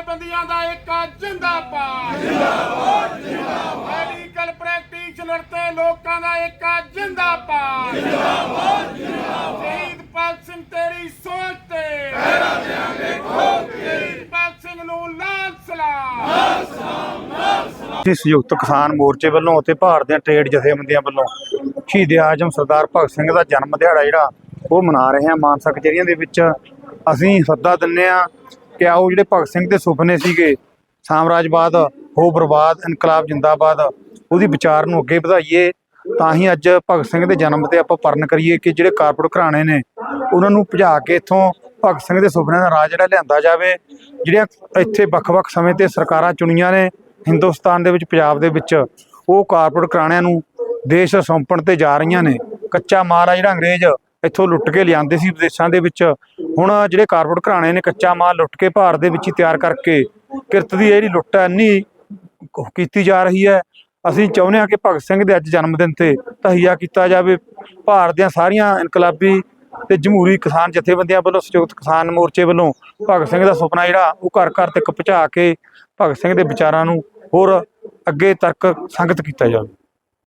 ਜਥੇਬੰਦੀਆਂ ਦਾ ਏਕਾ ਜਿੰਦਾਬਾਦ ਜਿੰਦਾਬਾਦ ਜਿੰਦਾਬਾਦ ਮੈਡੀਕਲ ਪ੍ਰੈਕਟੀਸ਼ਨਰ ਤੇ ਲੋਕਾਂ ਦਾ ਏਕਾ ਜਿੰਦਾਬਾਦ ਜਿੰਦਾਬਾਦ ਜਿੰਦਾਬਾਦ ਸ਼ਹੀਦ ਭਗਤ ਸਿੰਘ ਤੇਰੀ ਸੋਚ ਤੇ ਪਹਿਰਾ ਦੇਾਂਗੇ ਠੋਕ ਕੇ ਸ਼ਹੀਦ ਭਗਤ ਸਿੰਘ ਨੂੰ ਲਾਲ ਸਲਾਮ ਸੰਯੁਕਤ ਕਿਸਾਨ ਮੋਰਚੇ ਵੱਲੋਂ ਅਤੇ ਭਾਰਤ ਦੀਆਂ ਟ੍ਰੇਡ ਜਥੇਬੰਦੀਆਂ ਵੱਲੋਂ ਸ਼ਹੀਦ ਆਜਮ ਸਰਦਾਰ ਭਗਤ ਸਿੰਘ ਦਾ ਜਨਮ ਦਿਹਾੜਾ ਜਿਹੜਾ ਉਹ ਮਨਾ ਰਹੇ ਹਾਂ। ਮਾਨਸਾ ਕਚਹਿਰੀਆਂ ਦੇ ਵਿੱਚ ਅਸੀਂ ਸੱਦਾ ਦਿੰਦੇ ਹਾਂ ਕਿ ਆਓ ਜਿਹੜੇ ਭਗਤ ਸਿੰਘ ਦੇ ਸੁਪਨੇ ਸੀਗੇ ਸਾਮਰਾਜਵਾਦ ਹੋ ਬਰਬਾਦ ਇਨਕਲਾਬ ਜਿੰਦਾਬਾਦ ਉਹਦੀ ਵਿਚਾਰ ਨੂੰ ਅੱਗੇ ਵਧਾਈਏ। ਤਾਂ ਹੀ ਅੱਜ ਭਗਤ ਸਿੰਘ ਦੇ ਜਨਮ ਤੇ ਆਪਾਂ ਪਰਨ ਕਰੀਏ ਕਿ ਜਿਹੜੇ ਕਾਰਪੋਰੇਟ ਘਰਾਣੇ ਨੇ ਉਹਨਾਂ ਨੂੰ ਭਜਾ ਕੇ ਇੱਥੋਂ ਭਗਤ ਸਿੰਘ ਦੇ ਸੁਪਨਿਆਂ ਦਾ ਰਾਜ ਜਿਹੜਾ ਲਿਆਂਦਾ ਜਾਵੇ। ਜਿਹੜੀਆਂ ਇੱਥੇ ਵੱਖ-ਵੱਖ ਸਮੇਂ ਤੇ ਸਰਕਾਰਾਂ ਚੁਣੀਆਂ ਨੇ ਹਿੰਦੁਸਤਾਨ ਦੇ ਵਿੱਚ ਪੰਜਾਬ ਦੇ ਵਿੱਚ ਉਹ ਕਾਰਪੋਰੇਟ ਘਰਾਣਿਆਂ ਨੂੰ ਦੇਸ਼ ਸੌਂਪਣ ਤੇ ਜਾ ਰਹੀਆਂ ਨੇ। ਕੱਚਾ ਮਾਲ ਆ ਜਿਹੜਾ ਅੰਗਰੇਜ਼ ਇੱਥੋਂ ਲੁੱਟ ਕੇ ਲਿਆਂਦੇ ਸੀ ਵਿਦੇਸ਼ਾਂ ਦੇ ਵਿੱਚ, ਹੁਣ ਜਿਹੜੇ ਕਾਰਪੋਰੇਟ ਘਰਾਣੇ ਨੇ ਕੱਚਾ ਮਾਲ ਲੁੱਟ ਕੇ ਭਾਰਤ ਦੇ ਵਿੱਚ ਹੀ ਤਿਆਰ ਕਰਕੇ ਕਿਰਤ ਦੀ ਜਿਹੜੀ ਲੁੱਟ ਹੈ ਇੰਨੀ ਕੀਤੀ ਜਾ ਰਹੀ ਹੈ। ਅਸੀਂ ਚਾਹੁੰਦੇ ਹਾਂ ਕਿ ਭਗਤ ਸਿੰਘ ਦੇ ਅੱਜ ਜਨਮ ਦਿਨ ਤੇ ਤਹੀਆ ਕੀਤਾ ਜਾਵੇ। ਭਾਰਤ ਦੀਆਂ ਸਾਰੀਆਂ ਇਨਕਲਾਬੀ ਤੇ ਜਮਹੂਰੀ ਕਿਸਾਨ ਜਥੇਬੰਦੀਆਂ ਵੱਲੋਂ ਸੰਯੁਕਤ ਕਿਸਾਨ ਮੋਰਚੇ ਵੱਲੋਂ ਭਗਤ ਸਿੰਘ ਦਾ ਸੁਪਨਾ ਜਿਹੜਾ ਉਹ ਘਰ ਘਰ ਤੱਕ ਪਹੁੰਚਾ ਕੇ ਭਗਤ ਸਿੰਘ ਦੇ ਵਿਚਾਰਾਂ ਨੂੰ ਹੋਰ ਅੱਗੇ ਤੱਕ ਸੰਗਤ ਕੀਤਾ ਜਾਵੇ।